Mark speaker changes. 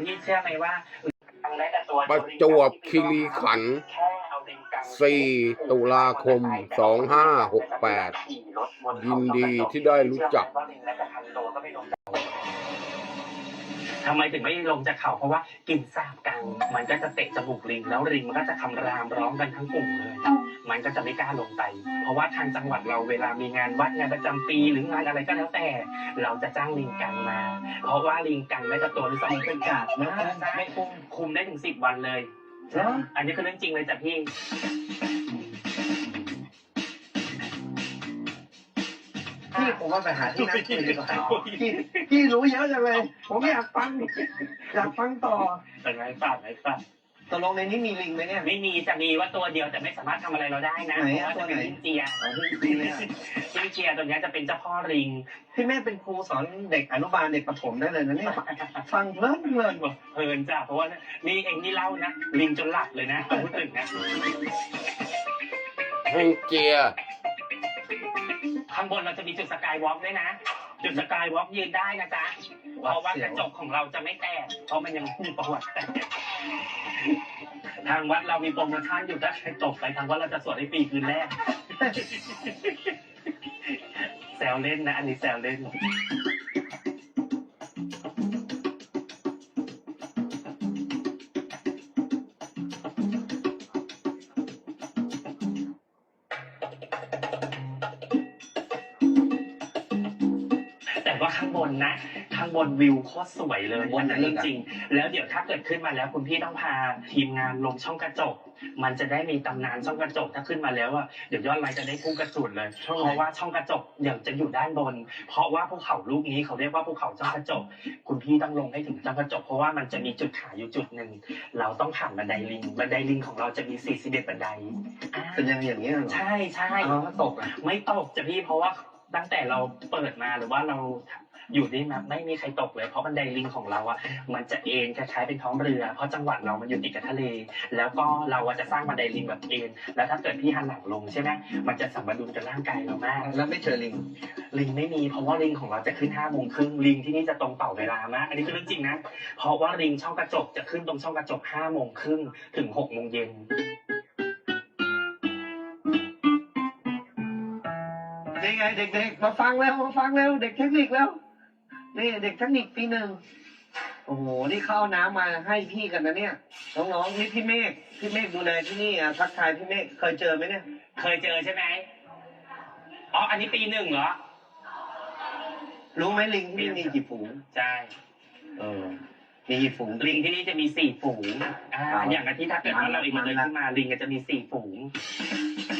Speaker 1: นี่เชื่อไหมว่า
Speaker 2: ประจวบคีรีขันธ์ 4 ตุลาคม 2568 ยินดีที่ได้รู้จัก
Speaker 1: ทำไมถึงไม่ลงจากเขาเพราะว่ากินสาบกังมันก็จะเตะจมูกลิงแล้วลิงมันก็จะคำรามร้องกันทั้งกลุ่มเลยมันก็จะไม่กล้าลงไปเพราะว่าทางจังหวัดเราเวลามีงานวัดงานประจำปีหรืองานอะไรก็แล้วแต่เราจะจ้างลิงกังมาเพราะว่าลิงกังไม่จะตัวหรือสองเป็นกาดนะไม่คุมได้ถึง10 วันเลยอันนี้คือเรื่องจริงเลยจ้ะพี่
Speaker 3: ผมว่าไปหาที่นั่งคุยดีกว่าพี่รู้เยอะจังเลยผมอยากฟังต่อ
Speaker 1: เป็นไงฝาก
Speaker 3: ตกลงในนี้มีลิงไหมเนี่ย
Speaker 1: ไม่มีจะมีว่าตัวเดียวแต่ไม่สามารถทำอะไรเราได้นะเพราะว่าจะเป็นลิงเจียลิงเจียตัวนี้จะเป็นเจ้าพ่อลิง
Speaker 3: พี่แม่เป็นครูสอนเด็กอนุบาลเด็กประถมได้เลยนะเนี่ยฟังเพ
Speaker 1: ลินจ้ะเพราะว่านี่เองนี่เล่านะลิงจนหลับเลยนะพูดถึงนะ
Speaker 2: แห้งเจีย
Speaker 1: ข้างบนเราจะมีจุดสกายวอล์กด้วยนะจุดสกายวอล์กยืนได้นะจ๊ะเพราะว่ากระจกของเราจะไม่แตกเพราะมันยังมีประวัติแตกทางวัดเรามีโปรโมชั่นอยู่ถ้าใครตกไปทางวัดเราจะสวดให้ฟรีคืนแรกแซวเล่นนะอันนี้แซวเล่นว่าข้างบนนะข้างบนวิวโคตรสวยเลยมันจะจริงแล้วเดี๋ยวถ้าเกิดขึ้นมาแล้วคุณพี่ต้องพาทีมงานลงช่องกระจกมันจะได้มีตำนานช่องกระจกถ้าขึ้นมาแล้วอ่ะเดี๋ยวยอดไลค์จะได้พุ่งกระสุนเลยเพราะว่าช่องกระจกเดี๋ยวจะอยู่ด้านบนเพราะว่าภูเขาลูกนี้เขาเรียกว่าภูเขาช่องกระจกคุณพี่ต้องลงให้ถึงช่องกระจกเพราะว่ามันจะมีจุดขายอยู่จุดหนึ่งเราต้องผ่านบันไดลิงของเราจะมี41บันได
Speaker 3: เป็นอย่างนี้เหรอ
Speaker 1: ใช่
Speaker 3: ตก
Speaker 1: ไม่ตกจะพี่เพราะว่าตั้งแต่เราเปิดมาหรือว่าเราอยู่นี่มาไม่มีใครตกเลยเพราะบันไดลิงของเราอ่ะมันจะเอ็นคล้ายๆเป็นท้องเรือเพราะจังหวัดเรามันอยู่ติดกับทะเลแล้วก็เราจะสร้างบันไดลิงแบบเอ็นแล้วถ้าเกิดพี่หันหลังลงใช่ไหมมันจะสัมดุลกับร่างกายเรามาก
Speaker 3: แล้วไม่เจอลิง
Speaker 1: ไม่มีเพราะว่าลิงของเราจะขึ้น5:30ลิงที่นี่จะตรงต่อเวลามากอันนี้คือเรื่องจริงนะเพราะว่าลิงช่องกระจกจะขึ้นตรงช่องกระจก5:30ถึง6:00 น
Speaker 3: นี่ไงเด็กๆมาฟังแล้วเด็กเทคนิคแล้วนี่เด็กเทคนิคปี 1โอ้โหนี่เข้าน้ำมาให้พี่กันนะเนี่ยน้องๆนี่พี่เมฆดูแลที่นี่ทักทายพี่เมฆเคยเจอไหมเนี่ย
Speaker 1: เคยเจอใช่ไหมอ๋ออันนี้ปี 1เหรอ
Speaker 3: รู้ไหมลิงที่นี่มีกี่ฝูง
Speaker 1: ใช่
Speaker 3: มีกี่ฝูง
Speaker 1: ลิงที่นี่จะมี4 ฝูงอย่างที่ถ้าเกิดว่าเราเองมาเดินขึ้นมาลิงก็จะมี4 ฝูง